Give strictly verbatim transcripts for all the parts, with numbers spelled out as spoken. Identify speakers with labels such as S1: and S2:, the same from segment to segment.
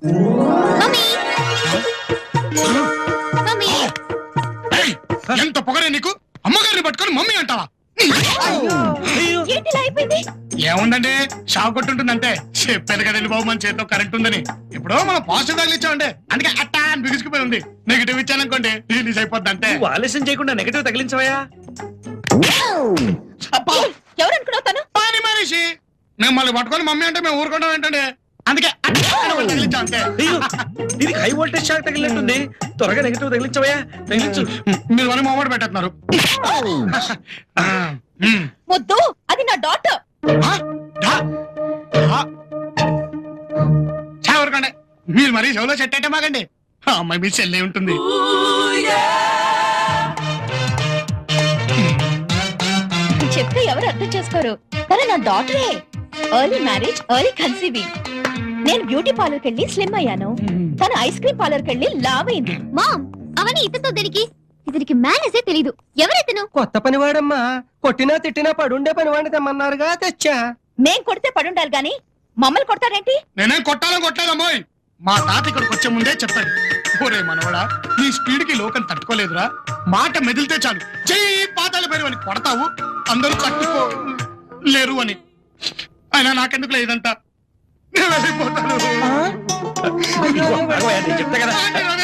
S1: ఎంత పొగరే నీకు? అమ్మగారిని పట్టుకొని మమ్మీ అంటావా? ఏముందండి, షాక్ కొట్టుంటుందంటే. చెప్పాను కదండి బాబు, మన చేతిలో కరెంట్ ఉందని. ఇప్పుడు మనం పాజిటివ్ తగిలించామండి, అందుకే అట్టా అని బిగుసుకుపోయి ఉంది. నెగిటివ్ ఇచ్చాననుకోండి రిలీజ్ అయిపోద్ది అంతే.
S2: ఆలస్యం చేయకుండా నెగిటివ్ తగిలించవయ్యా.
S3: ఎవరనుకున్నావు తను?
S1: పని మనిషి. మిమ్మల్ని పట్టుకొని మమ్మీ అంటే మేము ఊరుకుంటాం ఏంటండి, అందుకే తగిలించాం అంతే.
S2: దీనికి హై వోల్టేజ్ షాక్ తగిలినట్టుంది, త్వరగా నెగిటివ్ తగిలించవయ్యా. తగిలించు.
S1: మీరు అని మొమ్మడి పెట్టేస్తున్నారు.
S3: వద్దు, అది నా డాటర్.
S1: చావరకండి, మీరు మరీ చెవులో చెట్టు అంటే మాకండి. అమ్మాయి మీ చెల్లె ఉంటుంది.
S3: చెప్తే ఎవరు అర్థం చేసుకోరు, కానీ నా డాటరే. Early marriage, early conceiving. నేను బ్యూటీ పార్లర్కి వెళ్ళి స్లిమ్ అయ్యాను, తను ఐస్ క్రీమ్ పార్లర్కి వెళ్ళి లావ్ అయింది.
S4: మామ్, అవన్నీ ఇతతో దీనికి ఇతనికి మేనేజే తెలీదు. ఎవరైతను?
S5: కొత్త పనివాడమ్మా, కొట్టినా తిట్టినా పడుండే పనివాడిని తెమ్మన్నారుగా, తెచ్చా.
S3: మేం కొడితే పడుండాలి గాని మమ్మల్ని కొడతారేంటి?
S1: నేనేం కొట్టాలని కొట్టలేదమ్మాయి. మా తాత ఇక్కడికి వచ్చే ముందే చెప్పాడు, ఒరే మనవడా, నీ స్పీడ్ కి లోకం తట్టుకోలేదురా, మాట మెదిలితే చాలు చెయ్యి పాతాల పేరు అని కొడతావు, అందరూ తట్టుకో లేరు అని. అయినా నాకెందుకు లేదంతా, నేను వెళ్ళిపోతాను.
S2: చెప్తా కదా,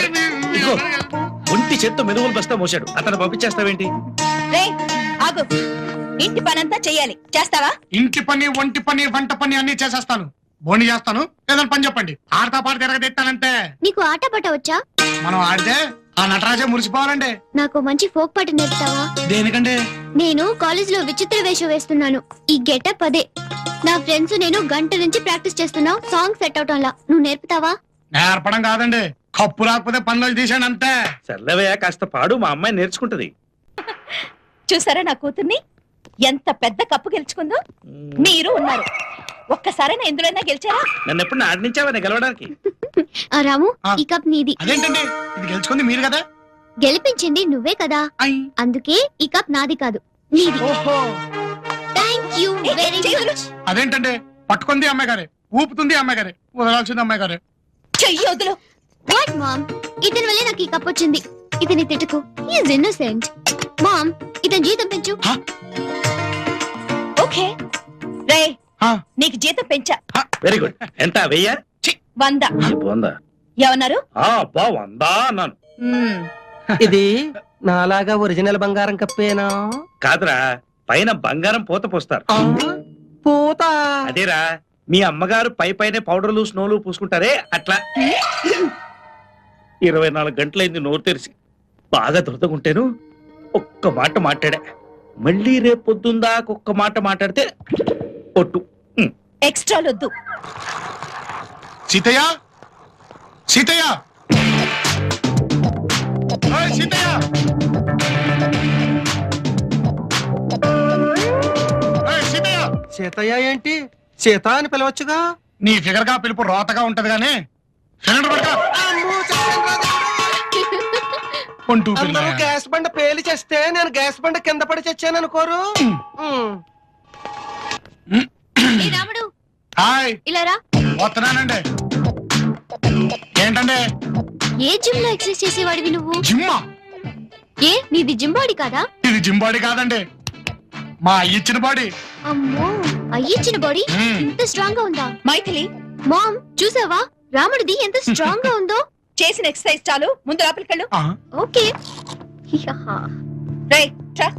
S2: ఒంటి చేత్తో మెదుగులు బస్తా మోసాడు, అతను పంపించేస్తావేంటి?
S3: ఆగు, ఇంటి పనంతా చెయ్యాలి, చేస్తావా?
S1: ఇంటి పని, ఒంటి పని, వంట పని అన్ని చేసేస్తాను. బోని చేస్తాను, ఏదైనా పని చెప్పండి, ఆడతా పాట తిరగదెత్తానంటే.
S4: నీకు ఆట పాట వచ్చా?
S1: మనం ఆడితే ఆ నటరాజే మురిసిపోవాలండి.
S4: నాకు మంచి ఫోక్ పాట నేర్పుతావా?
S1: దేనికండి?
S4: నేను కాలేజ్ లో విచిత్ర వేషం వేస్తున్నాను, ఈ గెటప్ అదే. నా ఫ్రెండ్స్ నేను గంట నుంచి ప్రాక్టీస్ చేస్తున్నావు, సాంగ్ సెట్ అవటంలా. నువ్వు నేర్పుతావా?
S1: నేర్పడం కాదండి, కప్పు రాకపోతే పనులు తీసాను అంతే.
S2: సర్లేవయ్యా, కాస్త పాడు, మా అమ్మాయి నేర్చుకుంటది.
S3: చూసారా నా కూతుర్ని, ఎంత పెద్ద కప్పు గెలుచుకుందో. మీరు ఉన్నారు, ఒక్కసారైనా ఎందులోనైనా గెలిచారా?
S2: నన్ను ఎప్పుడు ఆడించావా గెలవడానికి?
S4: ఆ రాము, ఈ కప్ నీది.
S1: అదేంటండి, ఇది గెలుచుకుంది మీరు కదా.
S4: గెలిపించింది నువ్వే కదా, అందుకే ఈ కప్ నాది కాదు నీది. Thank you very much.
S1: అదేంటండి, పట్టుకుంది అమ్మాయి గారే, ఊపుతుంది అమ్మాయి గారే, వదలాల్సింది అమ్మాయి గారే.
S3: చెయ్యి వదులు.
S4: వాట్ మామ్, ఇతని వల్లే నాకు ఈ కప్ వచ్చింది. ఇతని తిట్టుకు, హి ఇస్ ఇన్నోసెంట్. మామ్, ఇతని జీతం పెంచు.
S3: ఓకే రే, నీకు జీతం పెంచా.
S2: Very good. ఎంత? వెయ్యా?
S3: వంద.
S2: వందా?
S3: ఏమన్నారు?
S2: వందా అన్నాను.
S5: ఇది నాలాగా ఒరిజినల్ బంగారం కప్పేనా?
S2: కాదురా, పైన బంగారం పూత పోస్తారు.
S5: పూత?
S2: అదేరా, మీ అమ్మగారు పై పైన పౌడర్లు స్నోలు పూసుకుంటారే అట్లా. ఇరవై నాలుగు గంటలైంది నోరు తెరిసి, బాగా దురదగుంటేను ఒక్క మాట మాట్లాడా. మళ్ళీ రేపు పొద్దుందా ఒక్క మాట మాట్లాడితే ఒట్టు.
S3: ఎక్స్ట్రా వద్దు.
S1: సీతయ్య, సీతయ్య, సీతయ్య, సీతయ్య.
S5: సీతయ్య ఏంటి? సీత అని పిలవచ్చుగా.
S1: నీ ఫిగర్ గా పిలుపు రోతగా ఉంటది గానీ
S5: అందరూ గ్యాస్ బండ పేలి చేస్తే నేను గ్యాస్ బండ కింద పడి చచ్చాను అనుకోరు.
S4: రాముడు,
S1: హాయ్.
S4: ఇలా రా.
S1: వస్తున్నానండి. ఏంటండి?
S4: ఏ జిమ్ లో ఎక్సర్సైజ్ చేసేవాడివి నువ్వు?
S1: జిమ్మా?
S4: ఏ నీది జిమ్ బాడీ కాదా?
S1: ఇది జిమ్ బాడీ కాదండి, మా ఇచ్చిన బాడీ.
S4: అమ్మో, అయ్యిచ్చిన బాడీ ఇంత స్ట్రాంగ్ గా ఉందా?
S3: మైథిలి,
S4: మామ్ చూసావా రాముడిది ఎంత స్ట్రాంగ్ గా ఉందో?
S3: చేసిన ఎక్సర్సైజ్ చాలు, ముందు లోపలికి వెళ్ళు.
S4: ఓకే.
S3: రే ట్రా.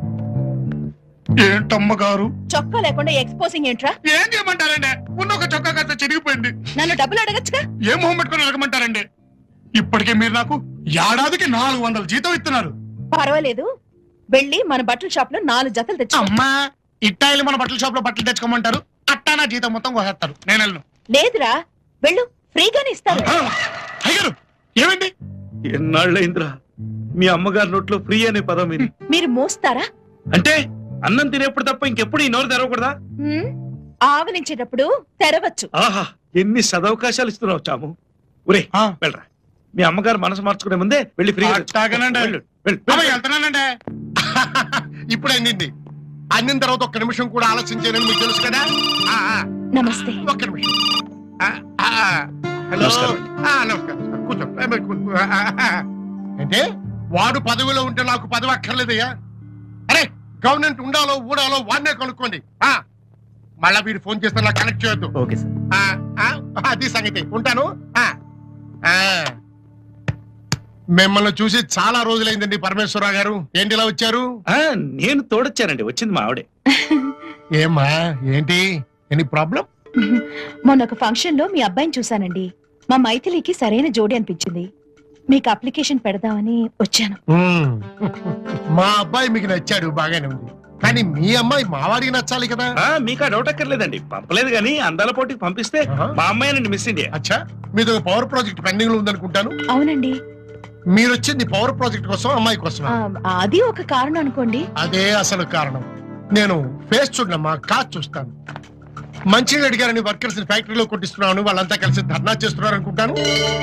S1: ఏంటమ్మ గారు,
S3: చొక్కా లేకుండా ఎక్స్పోజింగ్ ఏంట్రా?
S1: ఏం చేయమంటారండి? ఉన్న ఒక చొక్కా కాస్త చిరిగిపోయింది.
S3: నన్ను డబ్బులు అడగచ్చుగా.
S1: ఏం మొహం పెట్టుకుని అడగమంటారండి? ఇప్పటికే మీరు నాకు ఏడాదికి నాలుగు వందల జీతం ఇస్తున్నారు.
S3: పర్వాలేదు, వెళ్ళి మన బట్టల షాప్ లో నాలుగు జతలు తెచ్చు.
S1: అమ్మా, ఇట్టాయిలు మన బట్టల షాప్ లో బట్టలు తెచ్చుకోమంటారు, అట్టా నా జీతం మొత్తం కోసేస్తారు. నేను వెళ్ళను.
S3: లేదురా, వెళ్ళు, ఫ్రీగానే ఇస్తారు.
S1: అయ్యారు, ఏమండి?
S2: ఎన్నాళ్ళైందిరా మీ అమ్మగారి నోట్లో ఫ్రీ అనే పదం ఇది.
S3: మీరు మోస్తారా?
S2: అంటే అన్నం తినేప్పుడు తప్ప ఇంకెప్పుడు ఈ నోరు తెరవకూడదా?
S3: ఆవలించేటప్పుడు తెరవచ్చు.
S2: ఆహా, ఎన్ని సదవకాశాలు ఇస్తున్నావు చాము. ఒరే వెళ్ళరా, మీ అమ్మగారు మనసు మార్చుకునే ముందే వెళ్ళి ఫ్రీ.
S1: వెళ్తున్నానండి. ఇప్పుడు అయింది, అన్నిన తర్వాత ఒక్క నిమిషం కూడా ఆలోచించానని మీకు తెలుసు కదా.
S3: నమస్తే.
S1: ఒక్క నిమిషం.
S5: హలో
S2: నమస్కారం.
S1: ఆ, నమస్కారం సార్. కూర్చో ఏ, మరి కూర్చో. ఆ, ఆ, ఆ. అంటే వాడు పదవిలో ఉంటే నాకు పదవి అక్కర్లేదయ్యా. అరే గవర్నమెంట్ ఉండాలో ఊడాలో వాడినే కనుక్కోండి. ఆ, మళ్ళా వీడు ఫోన్ చేస్తే నాకు కనెక్ట్ చేయొద్దు.
S2: Okay sir.
S1: ఆ, ఆ, అది సంగతి. ఉంటాను. ఆ, ఆ. మిమ్మల్ని చూసి చాలా రోజులైందండి పరమేశ్వరరావు గారు. ఏంటి ఇలా వచ్చారు?
S2: ఆ, నేను తోడొచ్చానండి, వచ్చింది మా ఆవిడే.
S1: ఏమ్మా ఏంటి ఎనీ ప్రాబ్లం?
S3: మొన్న ఒక ఫంక్షన్ లో మీ అబ్బాయిని చూశానండి. మా మైథిలికి సరైన జోడి అనిపించింది. మీకు అప్లికేషన్ పెడదామని వచ్చాను.
S1: మా అబ్బాయి మీకు నచ్చాడు, బాగానే ఉంది. కానీ మీ అమ్మాయి మావాడికి నచ్చాలి కదా.
S2: ఆ, మీకు ఆ డౌట్ అక్కర్లేదండి, పంపలేదు కానీ అందాల పోటీకి పంపిస్తే
S1: ఆహా.
S2: మా అమ్మాయినండి మిస్ ఇండియా.
S1: అచ్చా, మీది పవర్ ప్రాజెక్ట్ పెండింగ్ లో ఉందనుకుంటాను.
S3: అవునండి.
S1: మీరు వచ్చింది పవర్ ప్రాజెక్ట్ కోసం, అమ్మాయి కోసం.
S3: ఆ, అది ఒక కారణం అనుకోండి.
S1: అదే అసలు కారణం. నేను ఫేస్ చూడమ్మా, కాదు చూస్తాను. మంచిగా అడిగారని వర్కర్స్ ఫ్యాక్టరీలో కొట్టిస్తున్నాను, వాళ్ళంతా కలిసి ధర్నా చేస్తున్నారు అనుకుంటాను.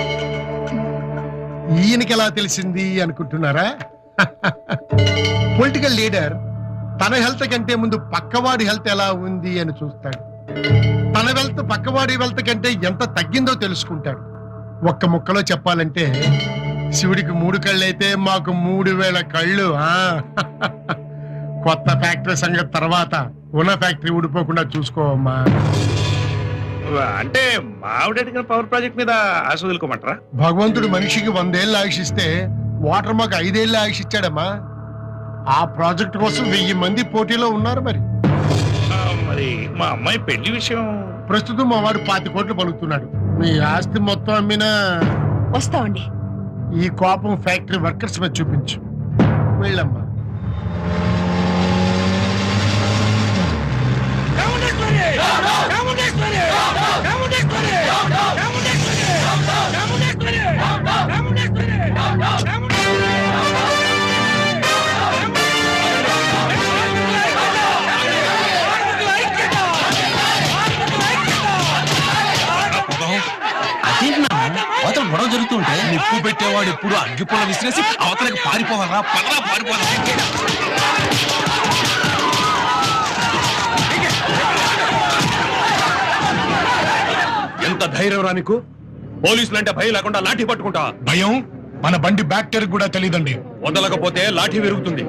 S1: ఈయనకి ఎలా తెలిసింది అనుకుంటున్నారా? పొలిటికల్ లీడర్ తన హెల్త్ కంటే ముందు పక్కవాడి హెల్త్ ఎలా ఉంది అని చూస్తాడు. తన వెల్త్ పక్కవాడి వెల్త్ కంటే ఎంత తగ్గిందో తెలుసుకుంటాడు. ఒక్క ముక్కలో చెప్పాలంటే శివుడికి మూడు కళ్ళు అయితే మాకు మూడు వేల కళ్ళు. ఆ కొత్త ఫ్యాక్టరీ సంగతి తర్వాత, ఉన్న ఫ్యాక్టరీ ఊడిపోకుండా చూసుకోవమ్మా.
S2: అంటే మా ఆవిడ అడిగిన పవర్ ప్రాజెక్ట్ మీద ఆశ వదులుకోమంటారా?
S1: భగవంతుడు మనిషికి వందేళ్ళు ఆయుష్ ఇస్తే వాటర్ మాకు ఐదేళ్ళు ఆయుష్ ఇచ్చాడమ్మా. ఆ ప్రాజెక్ట్ కోసం వెయ్యి మంది పోటీలో ఉన్నారు. మరి
S2: ఆ, మరి మా అమ్మాయి పెళ్లి విషయం.
S1: ప్రస్తుతం మా వాడు పాతి కోట్లు పలుకుతున్నాడు. మీ ఆస్తి మొత్తం అమ్మినా
S3: వస్తామండి.
S1: ఈ కోపం ఫ్యాక్టరీ వర్కర్స్ మీద చూపించు. వెళ్ళమ్మా.
S5: అవతల గొడవ జరుగుతుంటే నిప్పు పెట్టేవాడు ఎప్పుడు అగ్గిపుల్ల విసిరేసి అవతలకి పారిపోవాలా? పదరా పారిపోవాలా? ఎంత ధైర్యం రా నీకు? పోలీసులంటే భయం లేకుండా లాఠీ పట్టుకుంటా?
S1: భయం మన బండి బ్యాక్టీరియా కూడా తెలియదండి.
S5: వదలకపోతే లాఠీ విరుగుతుంది.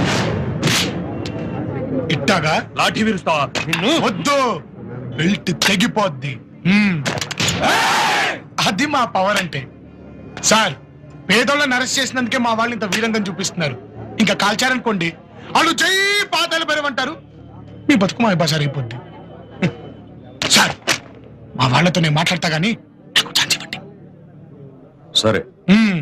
S1: ఇట్టాగా
S5: లాఠీ విరుస్తావా? నిన్ను
S1: వద్దు, బెల్ట్ తెగిపోద్ది. హ్మ్. అది మా పవర్ అంటే. సార్, పేదోళ్ళని అరెస్ట్ చేసినందుకే మా వాళ్ళు ఇంత వీరంగం చూపిస్తున్నారు. ఇంకా కాల్చారనుకోండి, వాళ్ళు జై పాతాలు పెరమంటారు. మీ బతుకు మా భాష అయిపోద్ది. సార్, మా వాళ్ళతో నేను మాట్లాడతా గానీ నాకు ఛాన్స్ ఇవ్వండి.
S5: సరే.
S1: హ్మ్.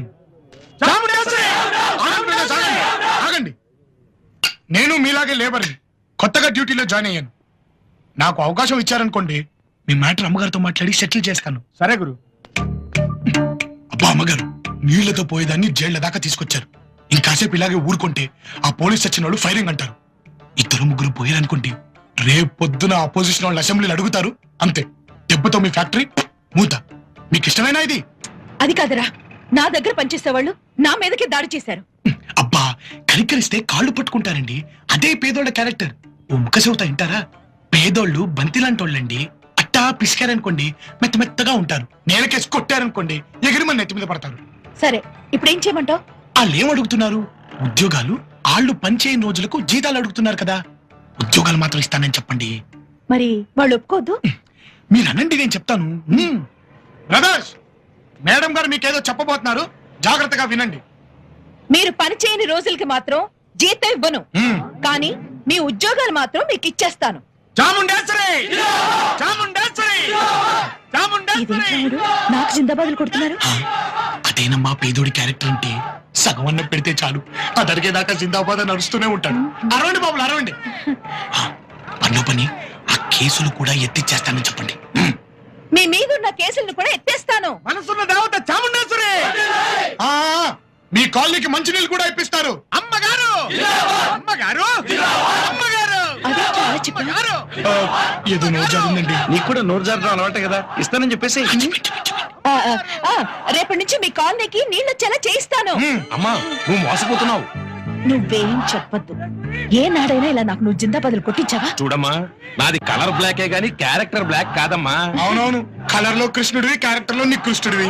S1: ఆగండి, ఆగండి, ఆగండి. నేను మీలాగే లేబర్ని, కొత్తగా డ్యూటీలో జాయిన్ అయ్యాను. నాకు అవకాశం ఇచ్చారనుకోండి, మీ మ్యాటర్ అమ్మగారితో మాట్లాడి సెటిల్ చేస్తాను. సరే గురు. అబ్బా అమ్మగారు, నీళ్లతో పోయేదాన్ని జైళ్ల దాకా తీసుకొచ్చారు. ఇంకాసేపు ఇలాగే ఊరుకుంటే ఆ పోలీస్ వచ్చిన వాళ్ళు ఫైరింగ్ అంటారు. ఇద్దరు ముగ్గురు పోయారనుకోండి, రేపు పొద్దున అపోజిషన్ వాళ్ళు అసెంబ్లీలు అడుగుతారు. అంతే, దెబ్బతో మీ ఫ్యాక్టరీ మూత. మీకు ఇష్టమైనా ఇది?
S3: అది కాదురా, నా దగ్గర పనిచేసే వాళ్ళు నా మీదకి దాడి చేశారు.
S1: అబ్బా, కనికరిస్తే కాళ్ళు పట్టుకుంటారండి. అదే పేదోళ్ళ క్యారెక్టర్. ఓ ముఖ చెబుతా వింటారా? పేదోళ్ళు బంతిలాంటోళ్ళండి. అట్టా పిసికారనుకోండి మెత్త మెత్తగా ఉంటారు. నేలకేసి కొట్టారనుకోండి ఎగిరి మన నెత్తి మీద పడతారు.
S3: సరే, ఇప్పుడు ఏం చేయమంటావు?
S1: వాళ్ళు ఏం అడుగుతున్నారు? ఉద్యోగాలు. వాళ్ళు పనిచేయని రోజులకు జీతాలు అడుగుతున్నారు కదా. ఉద్యోగాలు మాత్రం ఇస్తానని చెప్పండి.
S3: మరి వాళ్ళు ఒప్పుకోద్దు.
S1: మీరు అనండి, నేను చెప్తాను. హ్మ్. బ్రదర్స్, మేడం గారు మీకేదో చెప్పబోతున్నారు, జాగ్రత్తగా వినండి.
S3: మీరు పని చేయని రోజులకి మాత్రం జీతం ఇవ్వను,
S1: హ్మ్.
S3: కానీ మీ ఉద్యోగాలు మాత్రం మీకు ఇచ్చేస్తాను.
S1: చాముండేశ్వరి! చాముండేశ్వరి! చాముండేశ్వరి!
S3: ఇదేంటి రాముడు, నాకు జిందాబాదులు కొడుతున్నారు?
S1: అదేనమ్మా పేదోడి క్యారెక్టర్ అంటే. సగం అన్నం పెడితే చాలు, అది అడిగేదాకా జిందాబాద్ అని నడుస్తూనే ఉంటాడు. అరవండి బాబులు, అరవండి. పనిలో పని ఆ కేసులు కూడా ఎత్తిచ్చేస్తానని చెప్పండి.
S3: మీ మీదున్న కేసులను కూడా ఎత్తేస్తాను.
S1: మనసున్న దేవత చాముండేశ్వరి! ఆ, మీ కాలనీకి మంచినీళ్ళు కూడా ఇప్పిస్తారు. అమ్మగారు! అమ్మగారు! అమ్మగారు!
S3: అదే చాలా చెప్పాను.
S1: ఆ, ఏదో నోరు జారిందండి.
S2: నీకు కూడా నోరు జారడం అలవాటే కదా, ఇస్తానని చెప్పేసి.
S3: ఆ, ఆ, ఆ, రేపటి నుంచి మీ కాలనీకి నీళ్ళు వచ్చేలా చేయిస్తాను.
S1: హ్మ్.
S5: అమ్మా, నువ్వు మోసపోతున్నావు.
S3: నువ్వేం చెప్పద్దు. ఏ నాడైనా ఇలా నాకు నువ్వు జిందా బదులు కొట్టించావా?
S5: చూడమ్మా, నాది కలర్ బ్లాకే గాని క్యారెక్టర్ బ్లాక్ కాదమ్మా.
S1: అవునవును, కలర్ లో కృష్ణుడివి, క్యారెక్టర్ లో నీ కృష్ణుడివి.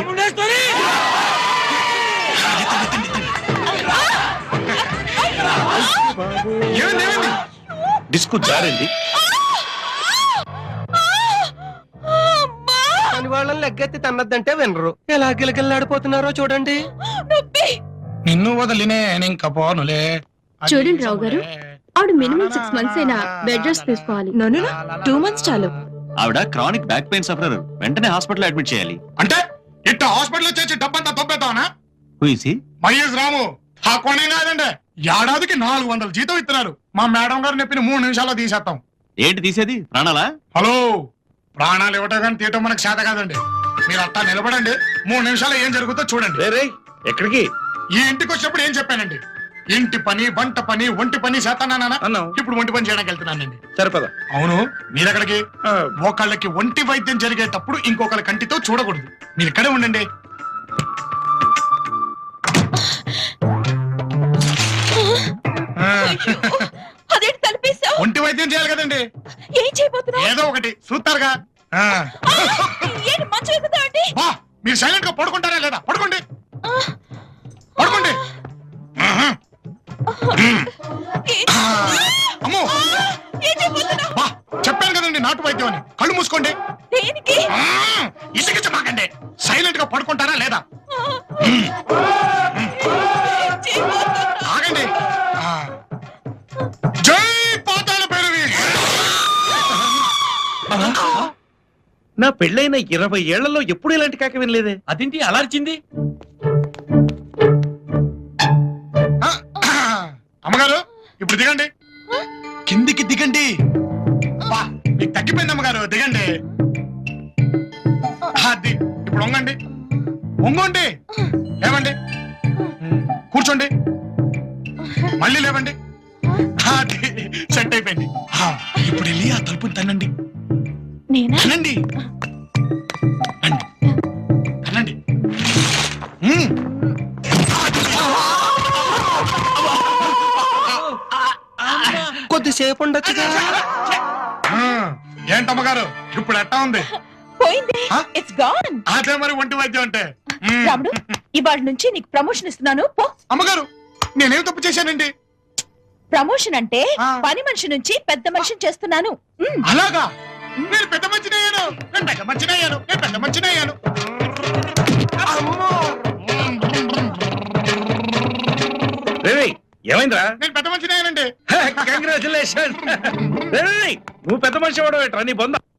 S1: ఏమైంది, ఏమైంది?
S2: డిస్కు జారింది.
S6: అని వాళ్ళని లెగ్గెత్తి తన్నద్దంటే వినరు. ఎలా గిలగిల్లాడిపోతున్నారో చూడండి.
S1: నిన్ను వదిలినే ఇంకా పోనులే.
S4: చూడండి రావు గారు, ఆవిడ మినిమం సిక్స్ మంత్స్ అయినా బెడ్ రెస్ట్ తీసుకోవాలి.
S3: టూ మంత్స్ చాలు.
S7: ఆవిడ క్రానిక్ బ్యాక్ పెయిన్ సఫరర్, వెంటనే హాస్పిటల్ అడ్మిట్ చేయాలి.
S1: అంటే ఇట్ట హాస్పిటల్ చేసి డబ్బంతా తొబ్బేద్దామనా?
S7: హూయిసి
S1: మహేష్ రాము ఆ కొనే కాదండి, ఏడాదికి నాలుగు వందల జీతం ఇస్తున్నారు. మా మేడం గారు చెప్పిన మూడు నిమిషాల్లో తీసేస్తాం.
S7: ఏంటి తీసేది? ప్రాణాలా?
S1: హలో, ప్రాణాలు ఇవ్వటం కానీ తీయటం మనకు చేత కాదండి. మీరు అట్టా నిలబడండి, మూడు నిమిషాలు ఏం జరుగుతుందో చూడండి.
S2: రే రే, ఎక్కడికి?
S1: ఈ ఇంటికి వచ్చినప్పుడు ఏం చెప్పానండి? ఇంటి పని, వంట పని, ఒంటి పని చేస్తానా?
S2: అన్నావు.
S1: ఇప్పుడు ఒంటి పని చేయడానికి వెళ్తున్నానండి.
S2: సరిపద.
S1: అవును, మీరెక్కడికి?
S2: ఆ,
S1: ఒకళ్ళకి ఒంటి వైద్యం జరిగేటప్పుడు ఇంకొకళ్ళ కంటితో చూడకూడదు. మీరు ఇక్కడే ఉండండి. ఆ,
S3: అదేంటి తలిపేశావు?
S1: ఒంటి వైద్యం చేయాలి కదండి,
S3: ఏం చేయబోతున్నావు?
S1: ఏదో ఒకటి చూస్తారుగా. ఆ.
S3: ఏంటి మంచం ఎక్కుతావు అంటే?
S1: బా, మీరు సైలెంట్ గా పడుకుంటారా లేదా? పడుకోండి, పడుకోండి. ఆహా. ఆ, అమ్మో,
S3: ఏం చేయబోతున్నావు?
S1: బా, చెప్పాను కదండి నాటు వైద్యం అని. కళ్ళు మూసుకోండి.
S3: దేనికి?
S1: ఆ, ఇసిగించమాకండి. సైలెంట్ గా పడుకుంటారా లేదా? ఆగండి. ఆ. జై పాతాళ భైరవి.
S2: నా పెళ్ళైన ఇరవై ఏళ్లలో ఎప్పుడు ఇలాంటి కాక వినలేదే.
S5: అదేంటి అలా అరిచింది?
S1: ఆ, అమ్మగారు ఇప్పుడు దిగండి. కిందికి దిగండి. బా, మీకు తగ్గిపోయింది అమ్మగారు, దిగండి. అది ఇప్పుడు వంగండి, వంగండి, లేవండి, కూర్చోండి, మళ్ళీ లేవండి. అది సెట్ అయిపోయింది. ఆ, ఇప్పుడు వెళ్ళి ఆ తలుపుని తన్నండి.
S3: నేనా?
S1: తనండి, రండి, తనండి. ఉమ్.
S6: కొద్దిసేపు ఉండొచ్చుగా.
S1: ఆ, ఏంటమ్మగారు ఇప్పుడు ఎట్టా ఉంది?
S3: పోయింది.
S1: ఆ?
S3: It's gone.
S1: అదే మరి ఒంటి వైద్యం అంటే. ఉమ్.
S3: రాముడు, ఇవాళ నుంచి నీకు ప్రమోషన్ ఇస్తున్నాను. పో.
S1: అమ్మగారు నేనేం తప్పు చేశానండి?
S3: ప్రమోషన్ అంటే
S1: ఆ.
S3: పని మనిషి నుంచి పెద్ద మనిషిని చేస్తున్నాను. మ్.
S1: అలాగా? నేను పెద్ద మంచిని అయ్యాను, నేను పెద్ద మంచిని అయ్యాను, నేను పెద్ద మంచిని అయ్యాను.
S2: రే రే, ఏమైందిరా?
S1: నేను పెద్ద మంచిని అయ్యానండి.
S2: కంగ్రాచులేషన్. నువ్వు పెద్ద మనిషి అవడం ఏంట్రా నీ బొంద?